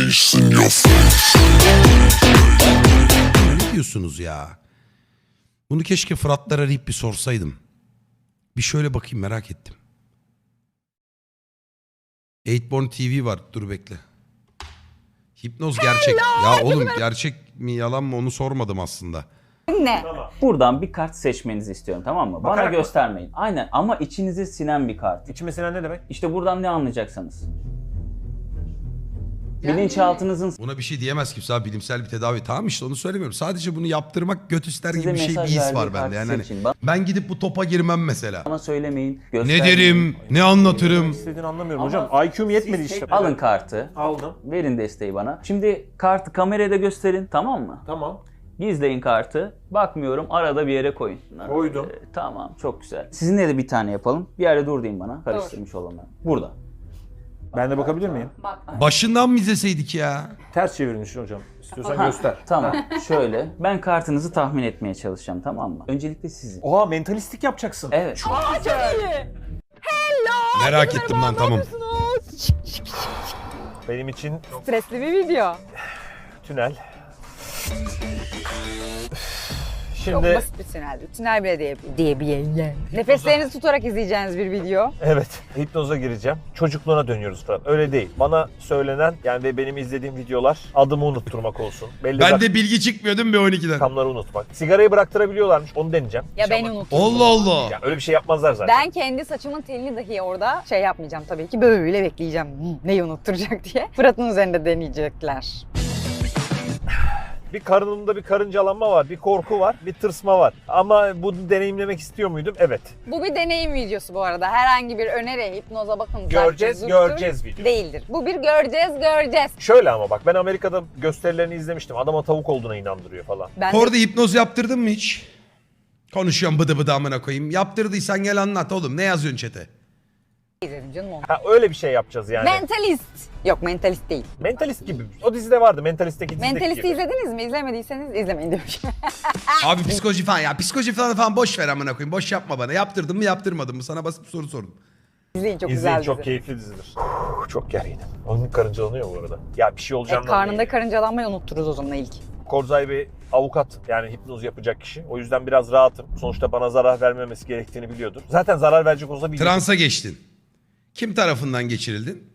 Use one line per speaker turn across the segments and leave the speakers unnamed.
Ne diyorsunuz ya? Bunu keşke Fıratlar arayıp bir sorsaydım. Bir şöyle bakayım, merak ettim. 8born TV var. Dur bekle. Hipnoz gerçek. Ya oğlum gerçek mi yalan mı onu sormadım aslında.
Ne?
Buradan bir kart seçmenizi istiyorum, tamam mı? Bana
Bakarak mı?
göstermeyin. Aynen, ama içinize sinen bir kart.
İçime sinen ne demek?
İşte buradan ne anlayacaksınız? Bilinçaltınızın
Buna bir şey diyemez kimse abi, bilimsel bir tedavi. Tamam işte onu söylemiyorum. Sadece bunu yaptırmak göt ister
Size
gibi bir şey, bir
mesaj
his
verdiği
var bende.
kartı
Yani hani
seçin.
ben gidip bu topa girmem mesela.
bana söylemeyin,
Ne
göstermeyin.
derim, ne anlatırım.
İstediğini anlamıyorum
Ama
hocam. IQ'm yetmedi
Siz
işte.
alın kartı,
Aldım.
verin desteği bana. Şimdi kartı kameraya da gösterin, tamam mı?
Tamam.
Gizleyin kartı. Bakmıyorum, arada bir yere koyun.
Koydum.
Tamam, çok güzel. Sizinle de bir tane yapalım. Bir yerde dur deyin bana. Karıştırmış olanlar. Burada.
Ben de bakabilir miyim?
Başından mı izleseydik ya?
Ters çevirmişsin hocam. İstiyorsan
Ha,
göster.
Tamam, şöyle. Ben kartınızı tahmin etmeye çalışacağım, tamam mı? Öncelikle sizin.
Oha, mentalistik yapacaksın.
Evet.
Merak ettim lan, tamam.
Benim için
Stresli bir video.
tünel.
Çok
Şimdi
basit bir tünel. Tünel bile diyebileyim. Nefeslerinizi tutarak izleyeceğiniz bir video.
evet, hipnoza gireceğim. Çocukluğuna dönüyoruz Fırat. Öyle değil. Bana söylenen yani ve benim izlediğim videolar adımı unutturmak olsun. Belli
Ben de bilgi çıkmıyor değil mi B12'den?
rakamları unutmak. Sigarayı bıraktırabiliyorlarmış. Onu deneyeceğim.
Ya beni unutun.
Allah Allah.
Yani öyle bir şey yapmazlar zaten.
Ben kendi saçımın telini dahi orada şey yapmayacağım tabii ki. Böyle bekleyeceğim. Neyi unutturacak diye. Fırat'ın üzerinde deneyecekler.
Bir karnımda bir karıncalanma var, bir korku var, bir tırsma var. Ama bunu deneyimlemek istiyor muydum? Evet.
Bu bir deneyim videosu bu arada. Herhangi bir öneri, hipnoza bakın.
Göreceğiz,
zarttır, zurttur
göreceğiz video.
Değildir. Bu bir göreceğiz.
Şöyle ama bak, ben Amerika'da gösterilerini izlemiştim. Adama tavuk olduğuna inandırıyor falan.
Ben de
Orada hipnoz yaptırdın mı hiç? Konuşuyorum bıdı bıdı amına koyayım. Yaptırdıysan gel anlat oğlum. Ne yazıyorsun chat'e?
izledim canım onu.
Ha, öyle bir şey yapacağız yani.
Mentalist. Yok mentalist değil.
Mentalist gibi. O dizide vardı. Mentalist'teki dizideki
Mentalist'i
gibi.
izlediniz mi? İzlemediyseniz izlemeyin demiş.
Abi psikoloji falan ya. Psikoloji falan boş ver amına koyayım. Boş yapma bana. Yaptırdın mı yaptırmadın mı? Sana basit bir soru sordum.
İzleyin çok
İzleyin,
güzel
çok
dizi.
keyifli dizidir. Çok gerginim. Onun karıncalanıyor bu arada. Ya bir şey olacağından
Karnında
değil.
karıncalanmayı unuttururuz o zaman ilk.
Korzay bir avukat, yani hipnoz yapacak kişi. O yüzden biraz rahatım. Sonuçta bana zarar vermemesi gerektiğini biliyordur. Zaten zarar verecek olsa biliyordur.
Transa geçtin. Kim tarafından geçirildin?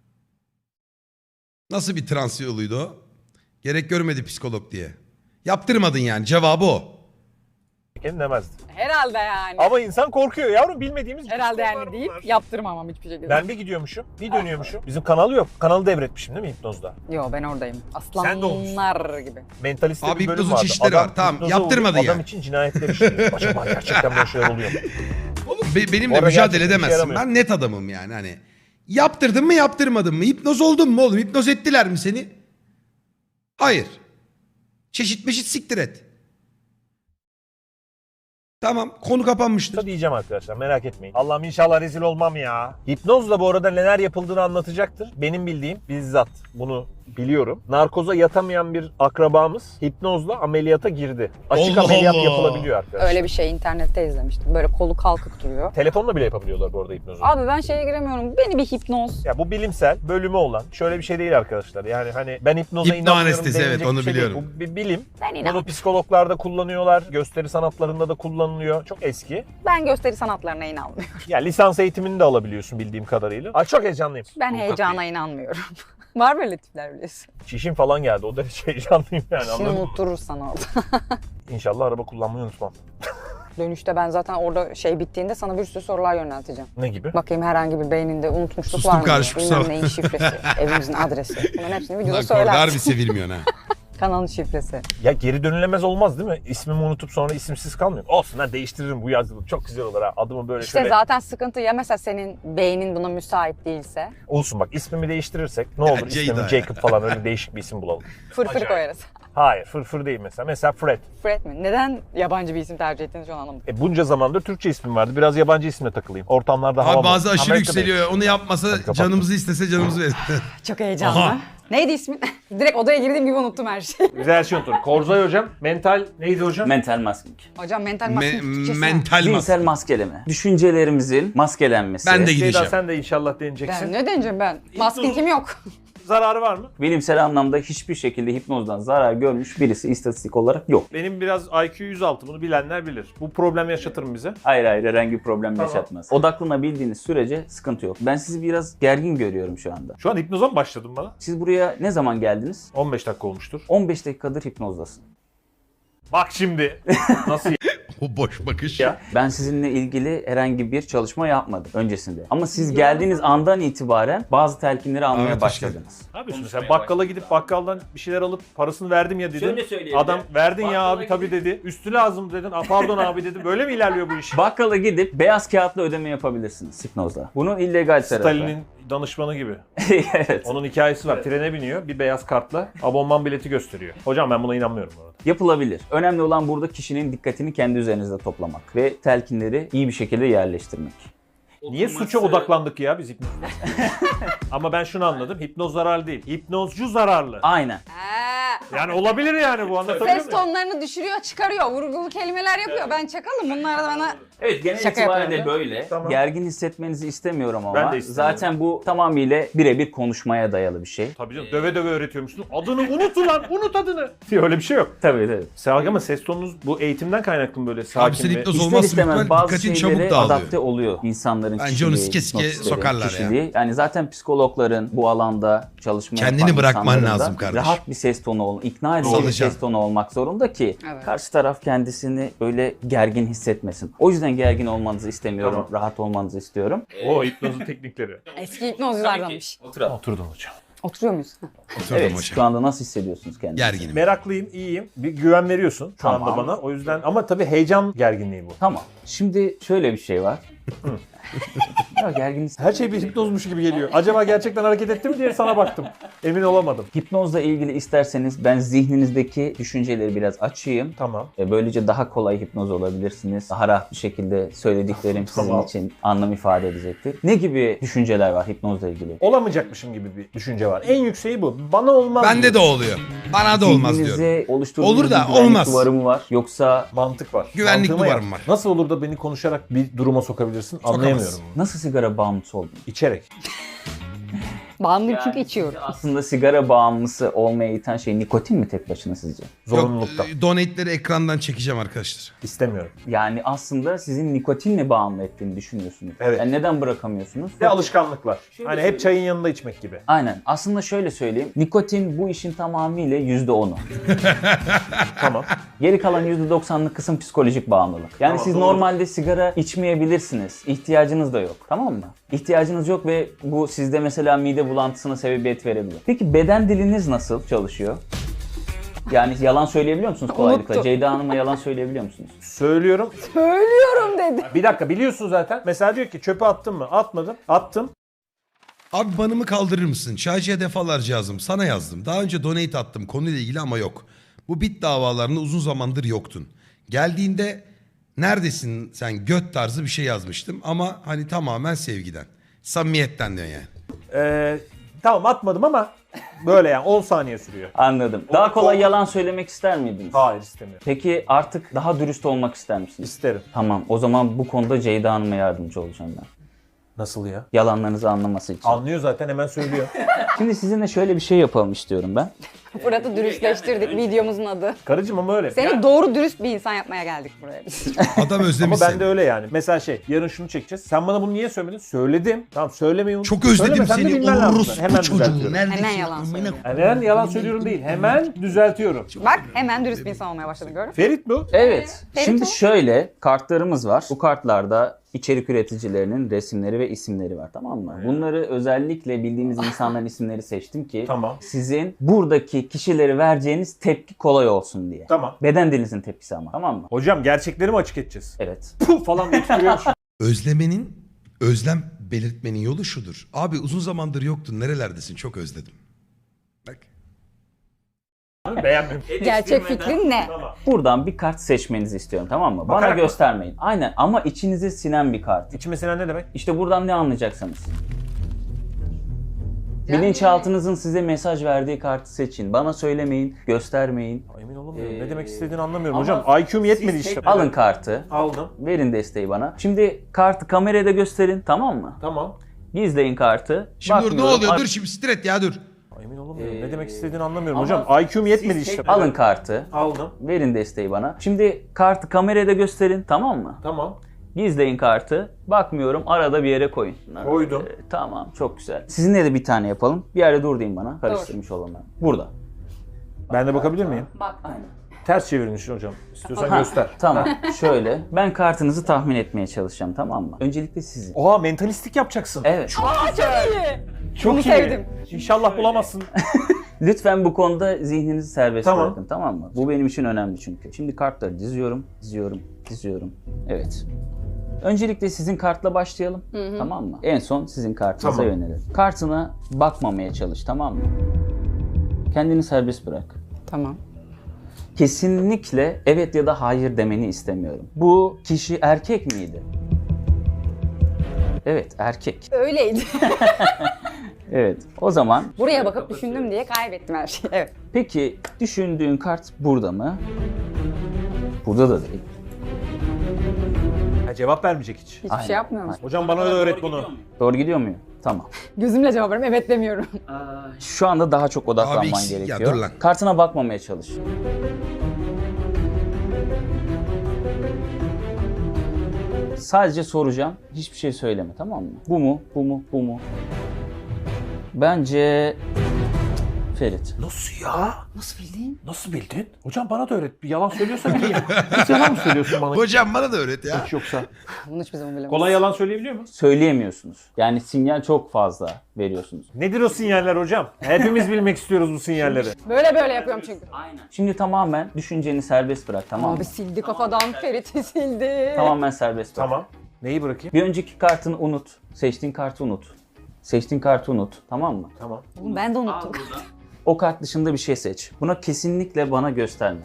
Nasıl bir trans yoluydu o? Gerek görmedi psikolog diye. Yaptırmadın yani. Cevabı o.
Demezdi.
Herhalde yani.
Ama insan korkuyor yavrum, bilmediğimiz
Herhalde
psikologlar
yani deyip
bunlar.
yaptırmamam hiçbir şekilde.
Ben bir gidiyormuşum, bir dönüyormuşum. Bizim kanalı yok. Kanalı devretmişim değil mi hipnozda?
Yo ben oradayım.
Sen de olmuşsun.
Aslanlar gibi.
Mentaliste
Abi
bir bölüm
hipnozun
vardı.
çeşitleri var. Tamam,
hipnoza
yaptırmadı
uğrayıp
yani.
Adam için cinayetler işliyor. Acaba gerçekten böyle şeyler oluyor mu?
Benimle
Orada
mücadele
gerçekten işe
edemezsin.
yaramıyor.
Ben net adamım yani hani. Yaptırdın mı yaptırmadın mı? Hipnoz oldun mu oğlum? Hipnoz ettiler mi seni? Hayır. Çeşit meşit siktir et. Tamam, konu kapanmıştır.
Diyeceğim arkadaşlar, merak etmeyin. Allah'ım inşallah rezil olmam ya. Hipnozla bu arada neler yapıldığını anlatacaktır. Benim bildiğim, bizzat bunu biliyorum. Narkoza yatamayan bir akrabamız hipnozla ameliyata girdi. Açık
Allah
ameliyat
Allah.
yapılabiliyor arkadaşlar.
Öyle bir şey internette izlemiştim. Böyle kolu kalkık duruyor.
Telefonla bile yapabiliyorlar bu arada hipnozu.
Abi ben şeye giremiyorum. Beni bir hipnoz.
Ya bu bilimsel bölümü olan şöyle bir şey değil arkadaşlar. Yani hani ben hipnoza
Hipno
inanmıyorum
anestezi,
denilecek
evet, onu
bir şey değil.
biliyorum.
Bu bir bilim.
Ben inan.
Bunu psikologlarda kullanıyorlar. Gösteri sanatlarında da kullanılıyor. Çok eski.
Ben gösteri sanatlarına inanmıyorum.
Ya lisans eğitimini de alabiliyorsun bildiğim kadarıyla. Ay çok heyecanlıyım.
Ben heyecana inanmıyorum. Var böyle tipler biliyorsun.
Çişim falan geldi. O derece heyecanlıyım yani,
Şimdi
anladın mı?
unutturur sana orada.
İnşallah araba kullanmayı unutmam.
Dönüşte ben zaten orada şey bittiğinde sana bir sürü sorular yönelteceğim.
Ne gibi?
Bakayım herhangi bir beyninde unutmuşluk
Sustum
var mı?
karşı,
diye.
kusura
Bilmem neyin şifresi, evimizin adresi. Bunların hepsini videoda
Lan Korda harbi
söylersin.
sevilmiyorsun ha.
Kanalın şifresi.
Ya geri dönülemez olmaz değil mi? İsmimi unutup sonra isimsiz kalmıyorum. Olsun ha, değiştiririm bu yazılı. Çok güzel olur ha. Adımı böyle
İşte
şöyle.
zaten sıkıntı ya mesela senin beynin buna müsait değilse.
Olsun bak, ismimi değiştirirsek ne olur,
Ceyda
ismimi
ya.
Jacob falan öyle değişik bir isim bulalım.
Fırfır
Acayip.
koyarız.
Hayır, fırfır değil mesela. Mesela Fred.
Fred mi? Neden yabancı bir isim tercih ettiğinizi şu an anlamadım.
Bunca zamandır Türkçe ismim vardı. Biraz yabancı isimle takılayım. Ortamlarda hava
Abi bazı aşırı
Amerika'da-
yükseliyor. Onu yapmasa
kapat.
canımızı istese canımızı verir.
Çok heyecanlı.
Aha.
Neydi ismin? Direkt odaya girdiğim gibi unuttum her şeyi.
Güzel şey unuttum. Korzay hocam. Mental neydi hocam?
Mental masking.
Hocam mental maskenin Türkçesi ne?
Mental
Zihinsel
maske.
maskeleme. Düşüncelerimizin maskelenmesi.
Ben de
Ceyda
gideceğim.
sen de inşallah deneyeceksin.
Ben ne deneyeceğim ben? Maskin kim yok?
zararı var mı?
Bilimsel anlamda hiçbir şekilde hipnozdan zarar görmüş birisi istatistik olarak yok.
Benim biraz IQ 106, bunu bilenler bilir. Bu problem yaşatır mı bize?
Hayır herhangi bir problem
Tamam.
yaşatmaz. Odaklanabildiğiniz sürece sıkıntı yok. Ben sizi biraz gergin görüyorum şu anda.
Şu an hipnoza mı başladın bana?
Siz buraya ne zaman geldiniz?
15 dakika olmuştur.
15 dakikadır hipnozdasın.
Bak şimdi. Nasıl
O boş bakış.
ya?
Ben sizinle ilgili herhangi bir çalışma yapmadım öncesinde. Ama siz geldiğiniz andan itibaren bazı telkinleri almaya
Evet,
başladınız.
Ne yapıyorsun sen? Bakkala gidip bakkaldan bir şeyler alıp parasını verdim ya dedin.
Şöyle söyleyebilirim.
Adam verdin ya
Bakkala
abi tabii dedi. Üstü lazım dedin. Pardon abi dedi. Böyle mi ilerliyor bu iş?
Bakkala gidip beyaz kağıtla ödeme yapabilirsiniz hipnozla. Bunun illegal tarafı.
Stalin'in danışmanı gibi.
Evet.
Onun hikayesi var. Trene biniyor. Bir beyaz kartla abonman bileti gösteriyor. Hocam ben buna inanmıyorum bu arada.
Yapılabilir. Önemli olan burada kişinin dikkatini kendi üzerinizde toplamak ve telkinleri iyi bir şekilde yerleştirmek.
Niye suça odaklandık ya biz hipnozda? Ama ben şunu anladım. Hipnoz zararlı değil. Hipnozcu zararlı.
Aynen.
Yani olabilir yani bu, anlatabiliyor
Ses
muyum?
tonlarını düşürüyor, çıkarıyor. Vurgulu kelimeler yapıyor. Ben çakalım. Bunlar da bana...
Evet, genel
Şaka
itibariyle
yapıyorum.
böyle.
Tamam.
Gergin hissetmenizi istemiyorum ama
Ben de istemiyorum.
zaten bu tamamıyla birebir konuşmaya dayalı bir şey.
Tabii canım, döve döve öğretiyormuşsun. Adını unut ulan, unut adını. Diye öyle bir şey yok.
Tabii tabii.
Selgi ama ses tonunuz bu eğitimden kaynaklı mı böyle sakin
sen
ve...
hipnoz
İster
olmazsa
istemez
muhtemelen
bazı
dikkatin
şeylere
çabuk dağılıyor.
adapte oluyor insanların
Bence
kişiliği,
onu sike sike
hipnotistlerin
sokarlar ya.
kişiliği. Yani zaten psikologların bu alanda çalışma
Kendini
yapan
bırakman
insanların da
lazım kardeşim.
rahat bir ses tonu ikna edici bir
Salacaksın.
ses tonu olmak zorunda ki
Evet.
karşı taraf kendisini öyle gergin hissetmesin. O yüzden gergin olmanızı istemiyorum,
Tamam.
rahat olmanızı istiyorum.
O hipnozun teknikleri.
Eski hipnozculardanmış.
Oturdum hocam.
Oturuyor muyuz?
Oturdum
Evet,
hocam.
şu anda nasıl hissediyorsunuz kendinizi?
Gerginim.
Meraklıyım, iyiyim. Bir güven veriyorsun şu
Tamam.
anda bana. O yüzden ama tabii heyecan gerginliği bu.
Tamam. Şimdi şöyle bir şey var. Ya gergin
Her şey bir hipnozmuş gibi geliyor. Acaba gerçekten hareket etti mi diye sana baktım. Emin olamadım.
Hipnozla ilgili isterseniz ben zihninizdeki düşünceleri biraz açayım.
Tamam.
Böylece daha kolay hipnoz olabilirsiniz. Daha rahat bir şekilde söylediklerim sizin
Tamam.
için anlam ifade edecektir. Ne gibi düşünceler var hipnozla ilgili?
Olamayacakmışım gibi bir düşünce var. En yükseği bu. Bana olmaz.
Bende
diyor.
de oluyor. Bana da olmaz diyorum.
Zihninize oluşturduğunuz
Olur da
bir güvenlik
olmaz.
duvarı mı var? Yoksa
Mantık var.
Güvenlik
Mantığıma
duvarım
yap.
var.
Nasıl olur da beni konuşarak bir duruma sokabilirsin anlayamıyorum. bunu.
nasıl sigara bağımlısı oldunuz?
İçerek.
Bağımlıyım çünkü içiyorum.
Aslında sigara bağımlısı olmaya iten şey nikotin mi tek başına sizce?
Zorunlulukta.
Yok, donate'leri ekrandan çekeceğim arkadaşlar.
İstemiyorum.
Yani aslında sizin nikotinle bağımlı ettiğini düşünüyorsunuz.
Evet.
Yani neden bırakamıyorsunuz?
Ve alışkanlıklar. Hani hep çayın yanında içmek gibi.
Aynen. Aslında şöyle söyleyeyim. Nikotin bu işin tamamıyla %10'u.
Tamam.
Geri kalan %90'lık kısım psikolojik bağımlılık. Yani
Tamam,
siz
doğru.
normalde sigara içmeyebilirsiniz. İhtiyacınız da yok. Tamam mı? İhtiyacınız yok ve bu sizde mesela mide bulantısına sebebiyet verebilir. Peki beden diliniz nasıl çalışıyor? Yani yalan söyleyebiliyor musunuz kolaylıkla?
Unuttum.
Ceyda Hanım'a yalan söyleyebiliyor musunuz?
Söylüyorum.
Söylüyorum dedi.
Bir dakika, biliyorsun zaten. Mesela diyor ki çöpe attın mı? Atmadım. Attım.
Abi banımı kaldırır mısın? Çaycıya defalarca yazdım. Sana yazdım. Daha önce donate attım konuyla ilgili ama yok. Bu bit davalarında uzun zamandır yoktun. Geldiğinde neredesin sen göt tarzı bir şey yazmıştım. Ama hani tamamen sevgiden. Samimiyetten diyor yani.
Tamam atmadım ama böyle yani 10 saniye sürüyor.
Anladım. Daha kolay yalan söylemek ister miydiniz?
Hayır, istemiyorum.
Peki artık daha dürüst olmak ister misiniz?
İsterim.
Tamam. O zaman bu konuda Ceyda Hanım'a yardımcı olacağım ben.
Nasıl ya?
Yalanlarınızı anlaması için.
Anlıyor zaten, hemen söylüyor.
Şimdi sizinle şöyle bir şey yapalım istiyorum ben.
Fırat'ı dürüstleştirdik videomuzun adı.
Karıcığım ama öyle.
Seni
Yani-
doğru dürüst bir insan yapmaya geldik buraya biz.
Adam özlemiş
Ama ben
seni.
de öyle yani. Mesela yarın şunu çekeceğiz. Sen bana bunu niye söylemedin? Söyledim. Tamam, söylemeyi unut.
Çok özledim
Söylemesen de
seni.
bilmen lazım.
Orospu
Hemen
çocuğu.
düzeltiyorum.
Neredesin?
Hemen yalan
Amına
söylüyor.
Hemen yalan söylüyorum değil. Hemen düzeltiyorum.
Bak hemen dürüst bir insan olmaya başladın gördün mü?
Ferit bu.
Evet.
Ferit
Şimdi
o.
şöyle kartlarımız var. Bu kartlarda içerik üreticilerinin resimleri ve isimleri var, tamam mı? Bunları özellikle bildiğimiz insanların isimleri seçtim ki
Tamam.
sizin buradaki kişileri vereceğiniz tepki kolay olsun diye.
Tamam.
Beden dilinizin tepkisi ama, tamam mı?
Hocam gerçekleri mi açık edeceğiz?
Evet.
Puh falan diye tükürüyormuş.
Özlemenin, özlem belirtmenin yolu şudur. Abi uzun zamandır yoktun. Nerelerdesin? Çok özledim. Bak.
Beğenmemiş.
Gerçek fikrin ne?
Tamam.
Buradan bir kart seçmenizi istiyorum, tamam mı? Bana
Bakarak mı?
göstermeyin. Aynen, ama içinize sinen bir kart.
İçime sinen ne demek?
İşte buradan ne anlayacaksınız? Bilinçaltınızın size mesaj verdiği kartı seçin. Bana söylemeyin, göstermeyin.
Emin olamıyorum. Ne demek istediğini anlamıyorum
ama
hocam. IQ'm yetmedi işte.
Alın kartı.
Aldım.
Verin desteği bana. Şimdi kartı kamerada gösterin, tamam mı?
Tamam.
Gizleyin kartı.
Şimdi dur ne
Bakmıyorum.
oluyor? Dur şimdi stret ya dur.
Emin olamıyorum. Ne demek istediğini anlamıyorum
ama
hocam. IQ'm yetmedi
siz
işte.
Alın kartı.
Aldım.
Verin desteği bana. Şimdi kartı kamerada gösterin, tamam mı?
Tamam.
Gizleyin kartı. Bakmıyorum, arada bir yere koyun.
Koydum.
Tamam, çok güzel. Sizinle de bir tane yapalım. Bir yerde dur deyin bana. Karıştırmış olanlar. Burada.
Ben de bakabilir miyim?
Bak.
Aynen.
Ters çevirmiş hocam. İstiyorsan
Ha,
göster.
Tamam. Şöyle. Ben kartınızı tahmin etmeye çalışacağım, tamam mı? Öncelikle sizin.
Oha, mentalistik yapacaksın.
Evet.
Çok iyi.
Çok
Bunu
iyi.
sevdim.
İnşallah bulamazsın.
Lütfen bu konuda zihninizi serbest
Tamam.
bırakın, tamam mı? Bu benim için önemli çünkü. Şimdi kartları diziyorum. Evet. Öncelikle sizin kartla başlayalım, tamam mı? En son sizin kartınıza
Tamam.
yönelelim. Kartına bakmamaya çalış, tamam mı? Kendini serbest bırak.
Tamam.
Kesinlikle evet ya da hayır demeni istemiyorum. Bu kişi erkek miydi? Evet, erkek.
Öyleydi.
Evet. O zaman
Buraya bakıp düşündüm diye kaybettim her şeyi. Evet.
peki düşündüğün kart burada mı? Burada da değil.
Ha, cevap vermeyecek hiç.
Hiçbir
Aynen.
şey yapmıyor musun?
Hocam bana da öğret bunu.
Doğru gidiyor muyum? Tamam.
Gözümle cevap veriyorum. Evet demiyorum.
Şu anda daha çok odaklanman
Abi, ya
gerekiyor.
dur lan.
Kartına bakmamaya çalış. Sadece soracağım. Hiçbir şey söyleme, tamam mı? Bu mu? Bu mu? Bu mu? Bence Ferit.
Nasıl ya?
Nasıl bildin?
Nasıl bildin? Hocam bana da öğret. Bir yalan söylüyorsa bileyim. Hiç yalan mı söylüyorsun bana?
Hocam bana da öğret ya.
Hiç yoksa.
Bunu hiçbir zaman bilemem.
Kolay yalan söyleyebiliyor musun?
Söyleyemiyorsunuz. Yani sinyal çok fazla veriyorsunuz.
Nedir o sinyaller hocam? Hepimiz bilmek istiyoruz bu sinyalleri.
Böyle yapıyorum çünkü.
Aynen. Şimdi tamamen düşünceni serbest bırak, tamam mı?
Abi sildi kafadan Ferit'i sildi.
Tamamen serbest bırak.
Tamam. Neyi bırakayım?
Bir önceki kartını unut. Seçtiğin kartı unut. Seçtiğin kartı unut. Tamam mı?
Tamam.
Oğlum ben de unuttum.
O kart dışında bir şey seç. Buna kesinlikle bana gösterme.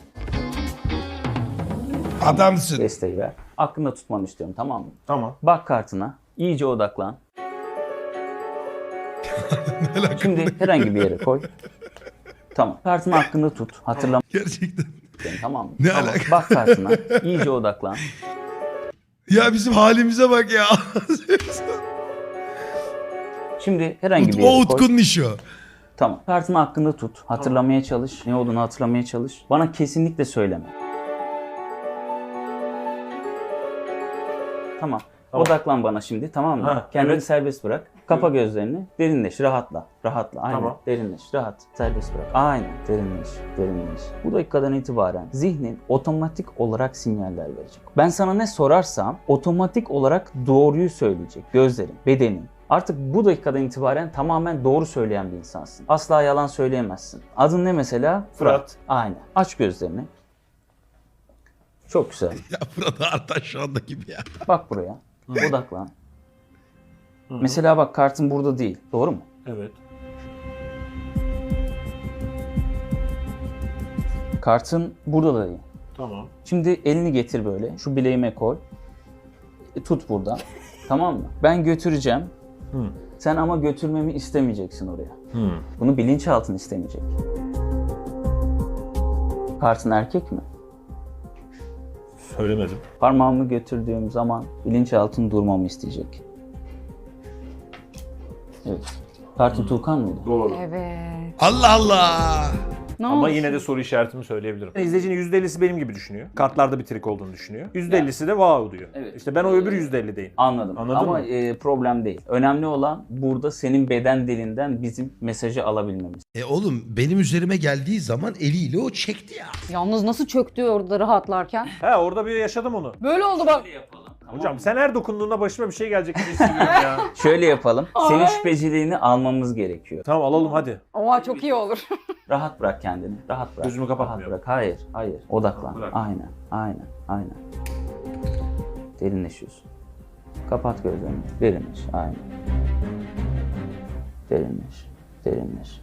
Adamsın.
Desteği ver. Aklında tutmanı istiyorum, tamam mı?
Tamam.
Bak kartına. İyice odaklan. Şimdi herhangi bir yere koy. Tamam. Kartını aklında tut. Hatırlamak
Gerçekten.
istiyorum, tamam mı?
Ne
Tamam.
alaka?
Bak kartına. İyice odaklan.
Ya bizim halimize bak ya.
Şimdi herhangi bir
O
yere koy.
Utku'nun işi o.
Tamam. Kartını hakkında tut. Hatırlamaya çalış. Ne olduğunu hatırlamaya çalış. Bana kesinlikle söyleme. Tamam.
Tamam.
Odaklan bana şimdi, tamam mı?
Ha,
Kendini
evet.
serbest bırak. Kapa gözlerini. Derinleş, rahatla. Rahatla. Aynen.
Tamam.
Derinleş, rahat. Serbest bırak. Aynen. Derinleş, derinleş. Bu dakikadan itibaren zihnin otomatik olarak sinyaller verecek. Ben sana ne sorarsam otomatik olarak doğruyu söyleyecek. Gözlerin, bedenin. Artık bu dakikadan itibaren tamamen doğru söyleyen bir insansın. Asla yalan söyleyemezsin. Adın ne mesela?
Fırat.
Aynen. Aç gözlerini. Çok güzel.
Ya Fırat Artaş şu anda gibi ya.
Bak buraya. Odaklan. Mesela bak, kartın burada değil. Doğru mu?
Evet.
Kartın burada da değil.
Tamam.
Şimdi elini getir böyle. Şu bileğime koy. Tut buradan. Tamam mı? Ben götüreceğim. Sen ama götürmemi istemeyeceksin oraya. Bunu bilinçaltın istemeyecek. Kartın erkek mi?
Söylemedim.
Parmağımı götürdüğüm zaman bilinçaltın durmamı isteyecek. Evet. Kartın Tuğkan mıydı?
Doğru.
Evet.
Allah Allah.
Ne
Ama
oldu?
yine de soru işaretimi söyleyebilirim. İzleyicinin %50'si benim gibi düşünüyor. Kartlarda bir trik olduğunu düşünüyor. %50'si de wow diyor.
Evet.
İşte ben o öbür %50'deyim.
Anladım.
Anladın
Ama
mı?
problem değil. Önemli olan burada senin beden dilinden bizim mesajı alabilmemiz.
Oğlum benim üzerime geldiği zaman eliyle o çekti ya.
Yalnız nasıl çöktü orada rahatlarken?
He, orada bir yaşadım onu.
Böyle oldu bak.
Hocam sen her dokunduğunda başıma bir şey gelecek gibi hissediyorum ya.
Şöyle yapalım. Senin şüpheciliğini almamız gerekiyor.
Tamam, alalım hadi.
Oha çok iyi olur.
Rahat bırak kendini. Rahat bırak.
Gözümü kapatmıyorum.
Rahat bırak. Hayır, hayır. Odaklan.
Bırak.
Aynen. Derinleşiyorsun. Kapat gözlerini. Derinleş. Aynen. Derinleş.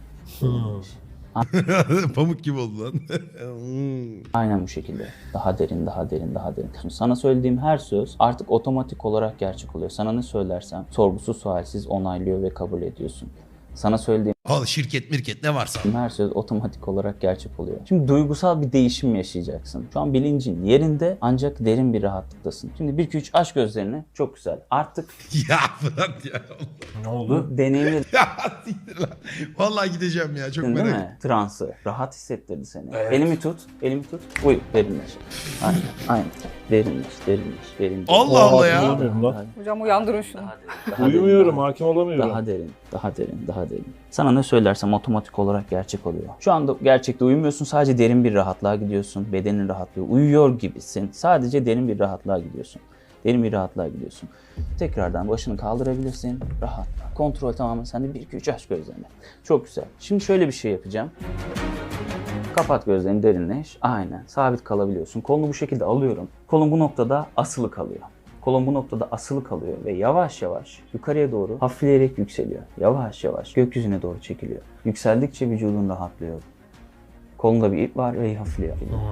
Pamuk gibi oldu lan.
Aynen bu şekilde. Daha derin. Sana söylediğim her söz artık otomatik olarak gerçek oluyor. Sana ne söylersem sorgusuz sualsiz onaylıyor ve kabul ediyorsun. Sana söylediğim
Al şirket mirket ne varsa.
Her söz otomatik olarak gerçek oluyor. Şimdi duygusal bir değişim yaşayacaksın. Şu an bilincin yerinde ancak derin bir rahatlıktasın. Şimdi 1-2-3 aç gözlerini. Çok güzel. Artık
Ya Fırat ya.
Ne oldu?
bu deneyimledin
Ya siktir lan. Vallahi gideceğim ya çok
değil
merak ettim.
mi? Transı. Rahat hissettirdi seni.
Evet.
Elimi tut. Elimi tut. Uyu. Derinleş. Aynen. Aynen. Derinleş. Derinleş.
Allah Allah ya.
Uyumuyorum lan.
Hocam uyandırın şunu.
Uyumuyorum, hakim olamıyorum.
Daha derin, daha derin, daha derin. Sana ne söylersem otomatik olarak gerçek oluyor. Şu anda gerçekte uyumuyorsun, sadece derin bir rahatlığa gidiyorsun. Bedenin rahatlıyor, uyuyor gibisin. Sadece derin bir rahatlığa gidiyorsun. Derin bir rahatlığa gidiyorsun. Tekrardan başını kaldırabilirsin, rahatla. Kontrol tamamen sende. 1-2-3 aç gözlerini. Çok güzel. Şimdi şöyle bir şey yapacağım. Kapat gözlerini, derinleş. Aynen, sabit kalabiliyorsun. Kolunu bu şekilde alıyorum. Kolun bu noktada asılı kalıyor. Kolun bu noktada asılı kalıyor ve yavaş yavaş yukarıya doğru hafifleyerek yükseliyor. Yavaş yavaş gökyüzüne doğru çekiliyor. Yükseldikçe vücudun rahatlıyor. Kolunda bir ip var ve hafifliyor.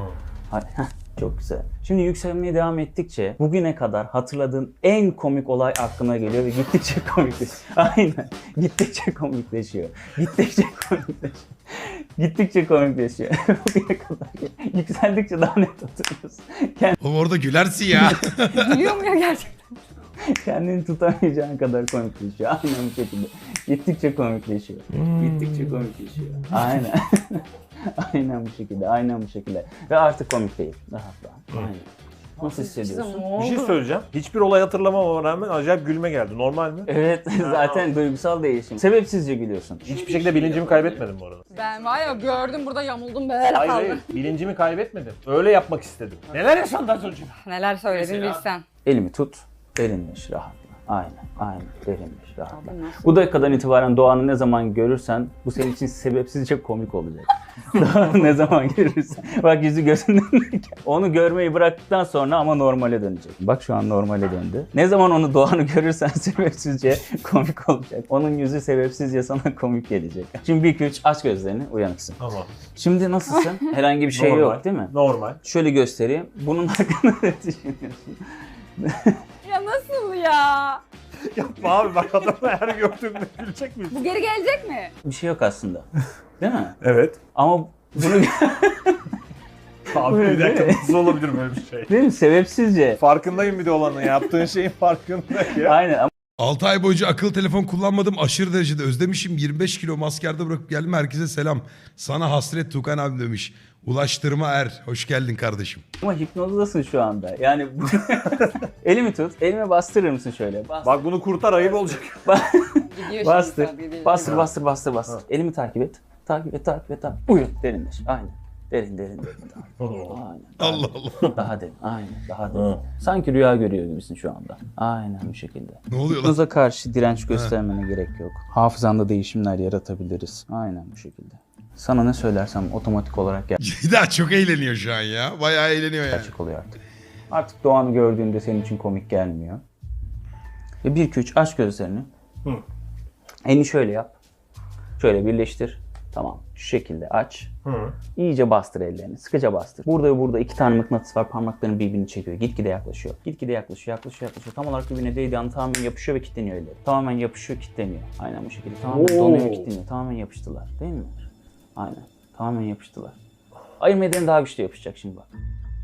Çok güzel. Şimdi yükselmeye devam ettikçe bugüne kadar hatırladığın en komik olay aklına geliyor ve gittikçe komikleşiyor. Aynen. Gittikçe komikleşiyor. Gittikçe komikleşiyor. Gittikçe komikleşiyor. Bugüne kadar yükseldikçe daha net hatırlıyorsun.
Oğlum orada gülersin ya.
Gülüyor mu ya gerçekten?
Kendini tutamayacağın kadar komikleşiyor. Aynen bu şekilde. Gittikçe komikleşiyor. Gittikçe komikleşiyor. Aynen. Aynen bu şekilde. Aynen bu şekilde. Ve artık komik değil. Rahatla. Aynen. Nasıl hissediyorsun?
Bir şey söyleyeceğim. Hiçbir olay hatırlamama rağmen acayip gülme geldi. Normal mi?
Evet, zaten duygusal değişim. Sebepsizce gülüyorsun.
Hiçbir şekilde bilincimi kaybetmedim bu arada.
Ben var ya gördüm burada yamuldum böyle
Hayır
kaldım.
hayır. Bilincimi kaybetmedim. Öyle yapmak istedim. Neler yaşandı az önce?
Neler söyledin bilsen.
Elimi tut, derinleş, rahatla. Aynen, derinleş, rahatla.
Abi nasıl?
Bu dakikadan itibaren Doğan'ı ne zaman görürsen bu senin için sebepsizce komik olacak. Doğan'ı ne zaman görürsen. Bak yüzü gözünden. Onu görmeyi bıraktıktan sonra ama normale dönecek. Bak şu an normale döndü. Ne zaman onu Doğan'ı görürsen sebepsizce komik olacak. Onun yüzü sebepsizce sana komik gelecek. Şimdi 1-2-3 aç gözlerini, uyanıksın.
Tamam.
Şimdi nasılsın? Herhangi bir şey
Normal.
yok değil mi?
Normal.
Şöyle göstereyim. Bunun hakkında ne düşünüyorsun?
Ya nasıl ya?
Yapma abi bak adamı her gördüğümde gülecek miyiz?
Bu geri gelecek mi?
Bir şey yok aslında. Değil mi?
Evet.
Ama bunu
Abi bir dakika nasıl olabilir böyle bir şey?
değil mi? Sebepsizce.
Farkındayım bir de olanın yaptığın şeyin farkındayım ya.
Aynen ama
6 ay boyunca akıllı telefon kullanmadım. Aşırı derecede özlemişim. 25 kilo maskerde bırakıp geldim. Herkese selam. Sana hasret Tukan abi demiş. Ulaştırma Er. Hoş geldin kardeşim.
hipnozdasın şu anda. Yani elimi tut. Elime bastırır mısın şöyle? Bastır.
Bak bunu kurtar ayıp olacak.
Gidiyor şimdi
Bastır.
saat, gidiyor.
Bastır. Elimi takip et. Takip et. Uyu. Derinleş. Aynen. Derin. Aynen.
Allah Allah.
Daha derin. Aynen. Daha derin. Sanki rüya görüyor gibisin şu anda. Aynen bu şekilde.
Ne oluyor lan?
Hipnoza karşı direnç göstermene gerek yok. Hafızanda değişimler yaratabiliriz. Aynen bu şekilde. Sana ne söylersem otomatik olarak
Ceyda çok eğleniyor şu an ya. Bayağı eğleniyor yani.
gerçek oluyor artık. Artık Doğan'ı gördüğünde senin için komik gelmiyor. Ve 1-2-3 aç gözlerini. Elini şöyle yap. Şöyle birleştir. Tamam. Şu şekilde aç. İyice bastır ellerini. Sıkıca bastır. Burada ve burada 2 tane mıknatıs var. Parmakların birbirini çekiyor. Gitgide yaklaşıyor. Yaklaşıyor. Tam olarak birbirine değdiği anda tamamen yapışıyor ve kilitleniyor elleri. Tamamen yapışıyor, kilitleniyor. Aynen bu şekilde. Tamamen donuyor, kilitleniyor. Tamamen yapıştılar. Değil mi? Aynen. Tamamen yapıştılar. Ayırma ellerini daha güçlü yapışacak şimdi bak.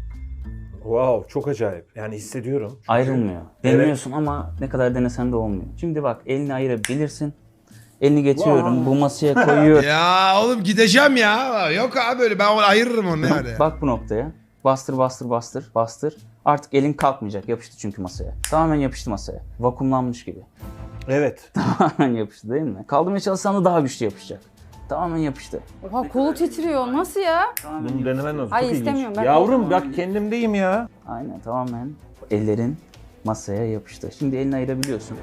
Wow çok acayip. Yani hissediyorum.
Ayrılmıyor. Deniyorsun ama ne kadar denesen de olmuyor. Şimdi bak elini ayırabilirsin. Elini getiriyorum. Bu masaya koyuyorum.
Ya oğlum gideceğim ya. Yok abi öyle ben onu ayırırım onu yani.
Bak bu noktaya. Bastır. Artık elin kalkmayacak. Yapıştı çünkü masaya. Tamamen yapıştı masaya. Vakumlanmış gibi.
Evet.
Tamamen yapıştı değil mi? Kaldırmaya çalışsan da daha güçlü yapışacak. Tamamen yapıştı.
Oha kolu titriyor. Nasıl ya?
Bunu denemen lazım.
Hayır,
Çok ilginç.
istemiyorum ben.
Yavrum bak kendimdeyim ya.
Aynen tamamen. Ellerin masaya yapıştı. Şimdi elini ayırabiliyorsun.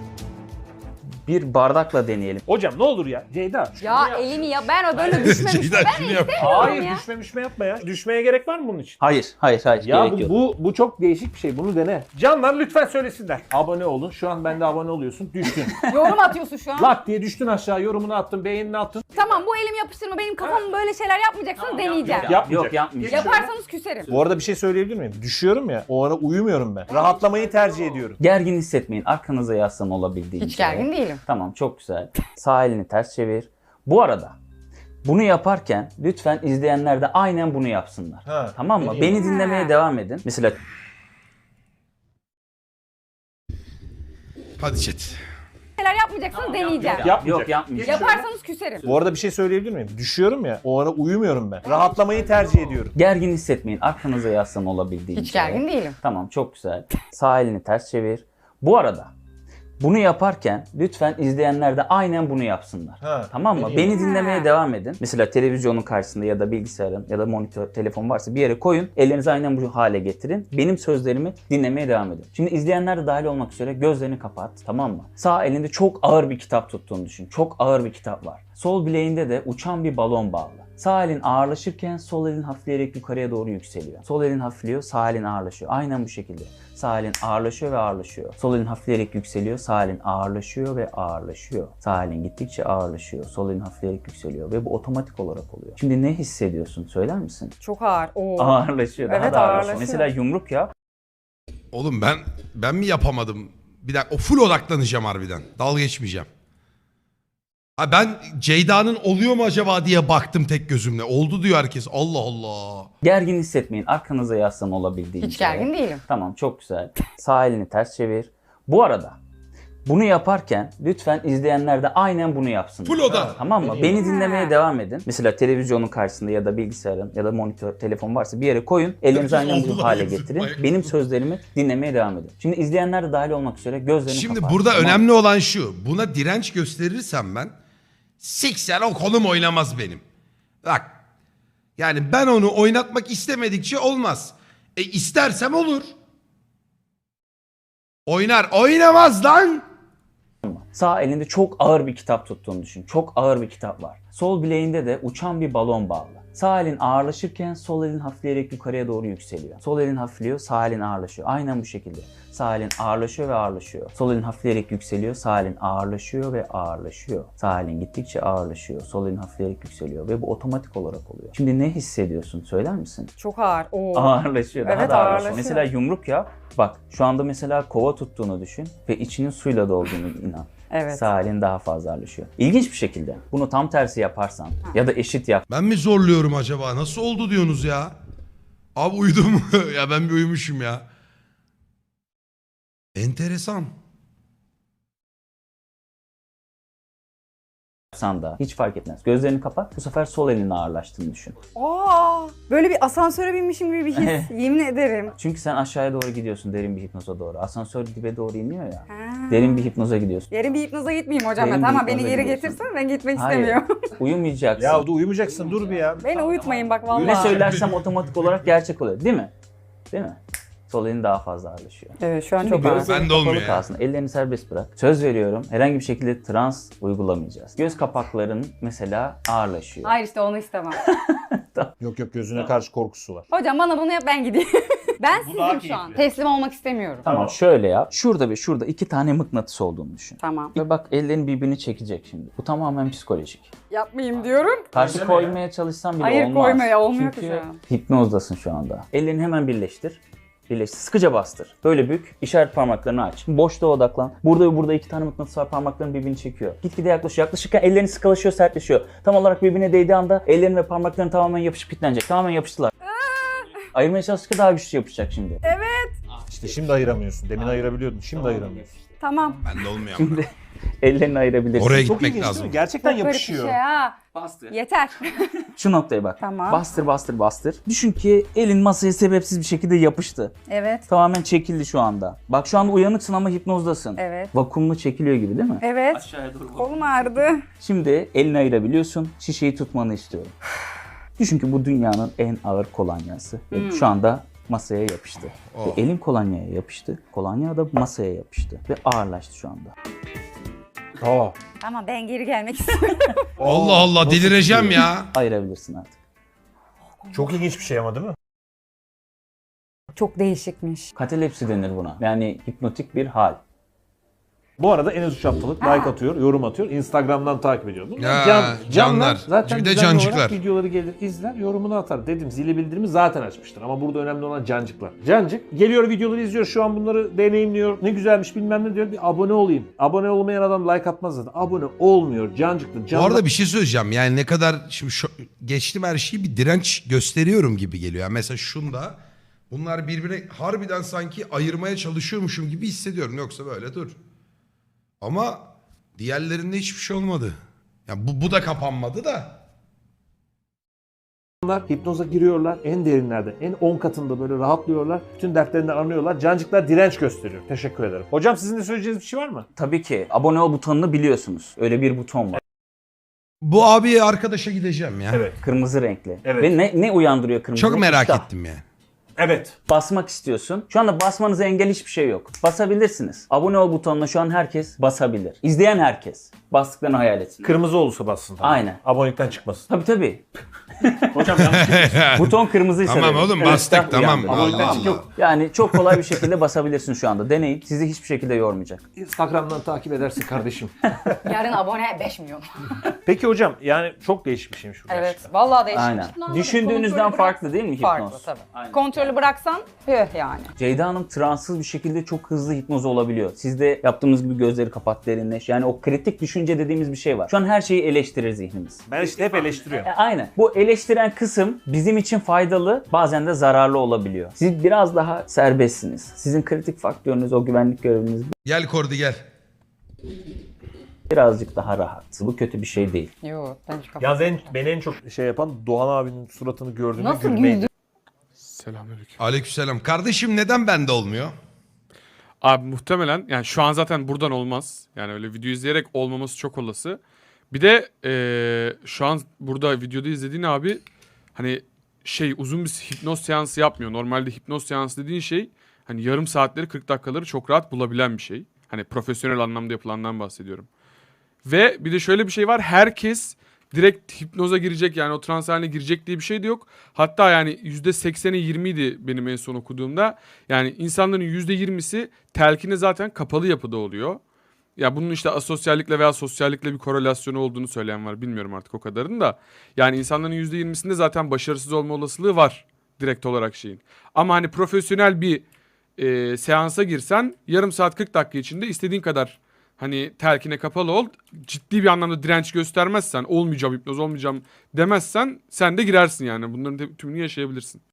Bir bardakla deneyelim.
Hocam ne olur ya. Ceyda.
Ya elini ya ben böyle düşmemiştim.
Ceyda
Ben
şunu yap.
Hayır
ya.
düşme yapma ya. Düşmeye gerek var mı bunun için?
Hayır.
Ya
Gerek yok.
bu çok değişik bir şey. Bunu dene. Canlar lütfen söylesinler. Abone olun. Şu an bende abone oluyorsun. Düştün.
Yorum atıyorsun şu an.
Lak diye düştün aşağı. Yorumunu attın. Beğenini attın.
Tamam bu elimi yapıştırma benim kafamı böyle şeyler yapmayacaksınız deneyeceğim.
Yapmayacak.
Yok yapmayacağım.
Yaparsanız küserim.
Bu arada bir şey söyleyebilir miyim? Düşüyorum ya. O ara uyumuyorum ben. Rahatlamayı tercih ediyorum.
Gergin hissetmeyin. Arkanıza yaslan olabildiğince.
Hiç gergin değilim.
Tamam çok güzel. Sağ elini ters çevir. Bu arada bunu yaparken lütfen izleyenler de aynen bunu yapsınlar.
Ha,
Tamam mı?
deneyeyim.
Beni dinlemeye devam edin. Mesela
Hadi chat.
Neler yapmayacaksınız deneyeceğim.
yok yapmayacağım.
Yaparsanız küserim.
Bu arada bir şey söyleyebilir miyim? Düşüyorum ya, o ara uyumuyorum ben. Rahatlamayı tercih ediyorum.
Gergin hissetmeyin. Arkanıza yaslan olabildiğince.
Hiç gergin değilim.
Tamam, çok güzel. Sağ elini ters çevir. Bu arada bunu yaparken lütfen izleyenler de aynen bunu yapsınlar.
Ha,
Tamam mı?
deneyeyim.
Beni dinlemeye devam edin. Mesela televizyonun karşısında ya da bilgisayarın ya da monitör, telefon varsa bir yere koyun. Ellerinizi aynen bu hale getirin. Benim sözlerimi dinlemeye devam edin. Şimdi izleyenler de dahil olmak üzere gözlerini kapat. Tamam mı? Sağ elinde çok ağır bir kitap tuttuğunu düşün. Çok ağır bir kitap var. Sol bileğinde de uçan bir balon bağlı. Sağ elin ağırlaşırken sol elin hafifleyerek yukarıya doğru yükseliyor. Sol elin hafifliyor, sağ elin ağırlaşıyor. Aynen bu şekilde. Sağ elin ağırlaşıyor ve ağırlaşıyor. Sol elin hafifleyerek yükseliyor, sağ elin ağırlaşıyor ve ağırlaşıyor. Sağ elin gittikçe ağırlaşıyor, sol elin hafifleyerek yükseliyor ve bu otomatik olarak oluyor. Şimdi ne hissediyorsun? Söyler misin?
Çok ağır. Oo.
Ağırlaşıyor, daha
Evet,
da ağırlaşıyor.
ağırlaşıyor.
Mesela yumruk yap.
Oğlum ben mi yapamadım? Bir dakika, o full odaklanacağım harbiden. Dalga geçmeyeceğim. Ha ben Ceyda'nın oluyor mu acaba diye baktım tek gözümle. Oldu diyor herkes. Allah Allah.
Gergin hissetmeyin. Arkanıza yaslan olabildiğince.
Hiç gergin değilim.
Tamam, çok güzel. Sağ elini ters çevir. Bu arada bunu yaparken lütfen izleyenler de aynen bunu yapsınlar.
Full oda.
Tamam mı?
Deneyeyim.
Beni dinlemeye devam edin. Mesela televizyonun karşısında ya da bilgisayarın ya da monitör, telefon varsa bir yere koyun. Ellerinizi aynen
Oldu
bu
lan,
hale
yazık.
getirin.
Ayak-
Benim sözlerimi dinlemeye devam edin. Şimdi izleyenler de dahil olmak üzere gözlerini
Şimdi
kapat.
burada
Tamam mı?
önemli olan şu. Buna direnç gösterirsem ben siksen o kolum oynamaz benim. Bak. Yani ben onu oynatmak istemedikçe olmaz. İstersem olur. Oynar. Oynamaz lan.
Sağ elinde çok ağır bir kitap tuttuğunu düşün. Çok ağır bir kitap var. Sol bileğinde de uçan bir balon bağlı. Sağ elin ağırlaşırken sol elin hafifleyerek yukarıya doğru yükseliyor. Sol elin hafifliyor, sağ elin ağırlaşıyor. Aynen bu şekilde. Sağ elin ağırlaşıyor ve ağırlaşıyor. Sol elin hafifleyerek yükseliyor, sağ elin ağırlaşıyor ve ağırlaşıyor. Sağ elin gittikçe ağırlaşıyor, sol elin hafifleyerek yükseliyor ve bu otomatik olarak oluyor. Şimdi ne hissediyorsun? Söyler misin?
Çok ağır. Oo.
Ağırlaşıyor, daha
Evet,
da ağırlaşıyor.
ağırlaşıyor.
Mesela yumruk yap. Bak şu anda mesela kova tuttuğunu düşün ve içinin suyla dolduğunu inan.
Evet.
Sağ elin daha fazla ağırlaşıyor. İlginç bir şekilde bunu tam tersi yaparsan ya da eşit
Ben mi zorluyorum acaba? Nasıl oldu diyorsunuz ya? Abi uyudum. Ya ben bir uyumuşum ya. Enteresan.
yapsan da hiç fark etmez. Gözlerini kapat. Bu sefer sol elinin ağırlaştığını düşün.
Aa, böyle bir asansöre binmişim gibi bir his. Yemin ederim.
Çünkü sen aşağıya doğru gidiyorsun derin bir hipnoza doğru. Asansör dibe doğru iniyor ya.
Ha.
Derin bir hipnoza gidiyorsun.
Yarın bir hipnoza gitmeyeyim hocam
Derin
ben.
bir
Tamam beni
hipnoza
geri
gidiyorsun.
getirsen ben gitmek
Hayır.
istemiyorum.
Uyumayacaksın.
Ya da uyumayacaksın, dur bir ya.
Beni uyutmayın bak vallahi.
Ne söylersem otomatik olarak gerçek oluyor. Değil mi? Değil mi? Sol elin daha fazla ağırlaşıyor.
Evet şu an
Şimdi
çok ağır.
gözlerin
Bende olmuyor
kapalı
ya.
kalsın. Ellerini serbest bırak. Söz veriyorum herhangi bir şekilde trans uygulamayacağız. Göz kapakların mesela ağırlaşıyor.
Hayır işte onu istemem.
Yok yok, gözüne karşı korkusu var.
Hocam bana bunu yap ben gideyim. Ben
daha
sizim şu an.
keyifli.
Teslim olmak istemiyorum.
Tamam şöyle yap. Şurada ve şurada 2 tane mıknatıs olduğunu düşün.
Tamam.
Ve bak ellerin birbirini çekecek şimdi. Bu tamamen psikolojik.
Yapmayayım diyorum.
Karşı koymaya çalışsan bile
Hayır,
olmaz.
koymaya olmuyor ki
Çünkü
şu an.
hipnozdasın şu anda. Ellerini hemen birleştir. Birleştir. Sıkıca bastır. Böyle bük. İşaret parmaklarını aç. Boşluğa odaklan. Burada ve burada 2 tane mıknatıs var. Parmakların birbirini çekiyor. Gitgide yaklaşıyor. Yaklaşırken ellerin sıkılaşıyor, sertleşiyor. Tam olarak birbirine değdiği anda ellerin ve parmakların tamamen yapışıp kilitlenecek. Tamamen yapıştılar. Ayırmaya çalıştıkça daha güçlü yapışacak şimdi.
İşte şimdi ayıramıyorsun. Demin ayırabiliyordun, şimdi ayıramıyorsun.
Tamam.
Bende olmuyor ama.
Şimdi ellerini ayırabilirsin.
Oraya
Çok
gitmek
ilginç değil
lazım.
mi? Gerçekten
Çok garip bir
yapışıyor.
şey ha.
Bastır.
Yeter.
Şu noktaya bak.
Tamam.
Bastır bastır bastır. Düşün ki elin masaya sebepsiz bir şekilde yapıştı.
Evet.
Tamamen çekildi şu anda. Bak şu anda uyanıksın ama hipnozdasın.
Evet.
Vakumlu çekiliyor gibi değil mi?
Evet.
Aşağıya doğru.
Kolum ağrıdı.
Şimdi elini ayırabiliyorsun. Şişeyi tutmanı istiyorum. Düşün ki bu dünyanın en ağır kolonyası. Ve şu anda masaya yapıştı.
Oh.
Ve elin kolonyaya yapıştı. Kolonya da masaya yapıştı. Ve ağırlaştı şu anda.
Aa.
Tamam ben geri gelmek istiyorum.
Allah Allah delireceğim ya.
Ayırabilirsin artık.
Çok ilginç bir şey ama değil mi?
Çok değişikmiş.
Katalepsi denir buna. Yani hipnotik bir hal.
Bu arada Enes 3 haftalık like atıyor, yorum atıyor. Instagram'dan takip ediyor. Bunlar
Ya, canlar.
zaten
Bir de
düzenli
cancıklar.
olarak videoları gelir, izler, yorumunu atar. Dedim zili bildirimi zaten açmıştır. Ama burada önemli olan cancıklar. Cancık geliyor videoları izliyor. Şu an bunları deneyimliyor. Ne güzelmiş bilmem ne diyor. Bir abone olayım. Abone olmayan adam like atmaz zaten. Abone olmuyor. Cancıklı.
Bu arada bir şey söyleyeceğim. Yani ne kadar şimdi geçtim her şeyi bir direnç gösteriyorum gibi geliyor. Yani mesela şunda bunlar birbirine harbiden sanki ayırmaya çalışıyormuşum gibi hissediyorum. Yoksa böyle dur. Ama diğerlerinde hiçbir şey olmadı. Yani bu da kapanmadı da.
Onlar hipnoza giriyorlar. En derinlerde, en 10 katında böyle rahatlıyorlar. Bütün dertlerini anlıyorlar. Cancıklar direnç gösteriyor. Teşekkür ederim. Hocam sizin de söyleyeceğiniz bir şey var mı?
Tabii ki abone ol butonunu biliyorsunuz. Öyle bir buton var.
Bu abi arkadaşa gideceğim ya.
Evet.
Kırmızı renkli.
Evet.
Ve ne uyandırıyor kırmızı
Çok
renk?
merak
İştah.
ettim yani.
Evet.
Basmak istiyorsun. Şu anda basmanıza engel hiçbir şey yok. Basabilirsiniz. Abone ol butonuna şu an herkes basabilir. İzleyen herkes. Bastıklarını hayal etsin.
Kırmızı olursa bassın. Tabii.
Aynen.
Abonelikten çıkmasın.
Tabii tabii.
Hocam yanlış.
Buton kırmızıysa
Tamam
dedim.
oğlum
Evet,
bastık
İştah
tamam.
uyandı.
Abonelikten
Allah
çık
Allah.
yok.
Yani çok kolay bir şekilde basabilirsin şu anda. Deneyin. Sizi hiçbir şekilde yormayacak.
Instagram'dan takip edersin kardeşim.
Yarın abone 5 milyon.
Peki hocam yani çok değişik bir şeymiş bu
Evet.
gerçekten.
Vallahi değişik.
Aynen.
Kontrolü
Düşündüğünüzden
bırak-
farklı değil mi hipnoz?
Farklı tabii.
Aynen.
Kontrolü bıraksan yani.
Ceyda Hanım transsız bir şekilde çok hızlı hipnoz olabiliyor. Siz de yaptığımız gibi gözleri kapat, derinleş. Yani o kritik düşünce dediğimiz bir şey var. Şu an her şeyi eleştirir zihnimiz.
Ben işte hep eleştiriyorum.
Aynen. Bu eleştiren kısım bizim için faydalı, bazen de zararlı olabiliyor. Siz biraz daha serbestsiniz. Sizin kritik faktörünüz, o güvenlik göreviniz
Gel Kordi gel.
birazcık daha rahat. Bu kötü bir şey değil.
Yok ben hiç kapat.
Yalnız beni en çok şey yapan Doğan abinin suratını gördüğümde
Nasıl
gülmeydi.
güldü?
Selamünaleyküm.
Aleykümselam. Kardeşim neden bende olmuyor?
Abi muhtemelen yani şu an zaten buradan olmaz. Yani öyle video izleyerek olmaması çok olası. Bir de şu an burada videoda izlediğin abi hani uzun bir hipnoz seansı yapmıyor. Normalde hipnoz seansı dediğin şey hani yarım saatleri 40 dakikaları çok rahat bulabilen bir şey. Hani profesyonel anlamda yapılandan bahsediyorum. Ve bir de şöyle bir şey var. Herkes direkt hipnoza girecek yani o trans haline girecek diye bir şey de yok. Hatta yani %80'i 20'ydi benim en son okuduğumda. Yani insanların %20'si telkine zaten kapalı yapıda oluyor. Ya bunun işte asosyallikle veya sosyallikle bir korelasyonu olduğunu söyleyen var. Bilmiyorum artık o kadarını da. Yani insanların %20'sinde zaten başarısız olma olasılığı var direkt olarak şeyin. Ama hani profesyonel bir seansa girsen yarım saat 40 dakika içinde istediğin kadar hani telkine kapalı ol. Ciddi bir anlamda direnç göstermezsen, olmayacağım hipnoz olmayacağım demezsen sen de girersin yani. Bunların tümünü yaşayabilirsin.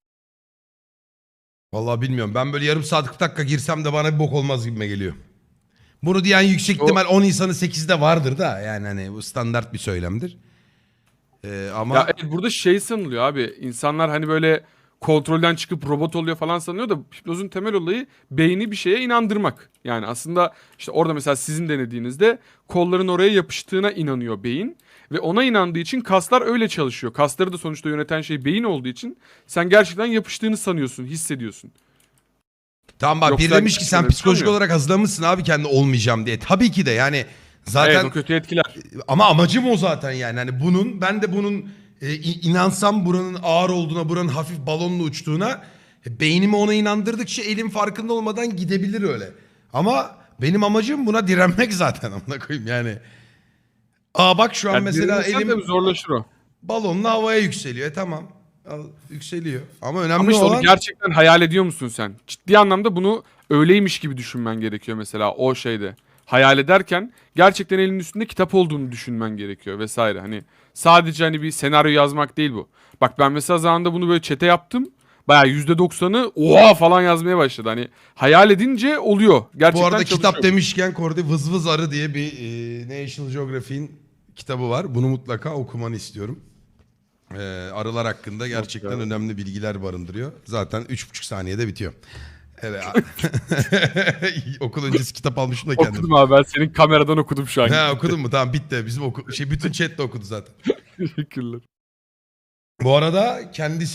Vallahi bilmiyorum. Ben böyle yarım saat 40 dakika girsem de bana bir bok olmaz gibime geliyor. Bunu diyen yüksek ihtimal 10 insanın 8'de vardır da. Yani hani bu standart bir söylemdir. Ama
Ya evet, burada sanılıyor abi. İnsanlar hani böyle kontrolden çıkıp robot oluyor falan sanıyor da hipnozun temel olayı beyni bir şeye inandırmak. Yani aslında işte orada mesela sizin denediğinizde kolların oraya yapıştığına inanıyor beyin. Ve ona inandığı için kaslar öyle çalışıyor. Kasları da sonuçta yöneten şey beyin olduğu için sen gerçekten yapıştığını sanıyorsun, hissediyorsun.
tamam bak
Yoksa
biri demiş ki sen
öyle
psikolojik
sanmıyor.
olarak hazırlamışsın abi kendi olmayacağım diye. Tabii ki de yani zaten
Evet, o kötü etkiler.
ama amacım o zaten yani. Hani ben de bunun inansam buranın ağır olduğuna, buranın hafif balonla uçtuğuna beynimi ona inandırdıkça elim farkında olmadan gidebilir öyle. Ama benim amacım buna direnmek zaten amına koyayım yani. Bak şu an
Yani
mesela
direnirsen
elim
tabii zorlaşır o.
balonla havaya yükseliyor. Tamam. Yükseliyor. Ama önemli
Ama işte
olan
onu gerçekten hayal ediyor musun sen? Ciddi anlamda bunu öyleymiş gibi düşünmen gerekiyor mesela o şeyde. Hayal ederken gerçekten elinin üstünde kitap olduğunu düşünmen gerekiyor vesaire. Hani sadece hani bir senaryo yazmak değil bu. Bak ben mesela zamanında bunu böyle chat'e yaptım. Bayağı %90'ı oha falan yazmaya başladı. Hani hayal edince oluyor. Gerçekten
bu arada
çalışıyor.
kitap demişken Kordi Vız Vız Arı diye bir National Geographic'in kitabı var. Bunu mutlaka okumanı istiyorum. Arılar hakkında gerçekten önemli bilgiler barındırıyor. Zaten 3,5 saniyede bitiyor. Evet. Okul öncesi kitap almışım da kendim.
Okudum abi, ben senin kameradan okudum şu an.
Ha, okudun mu? Tamam bitti. Bizim bütün chat de okudu zaten.
Teşekkürler.
Bu arada kendisi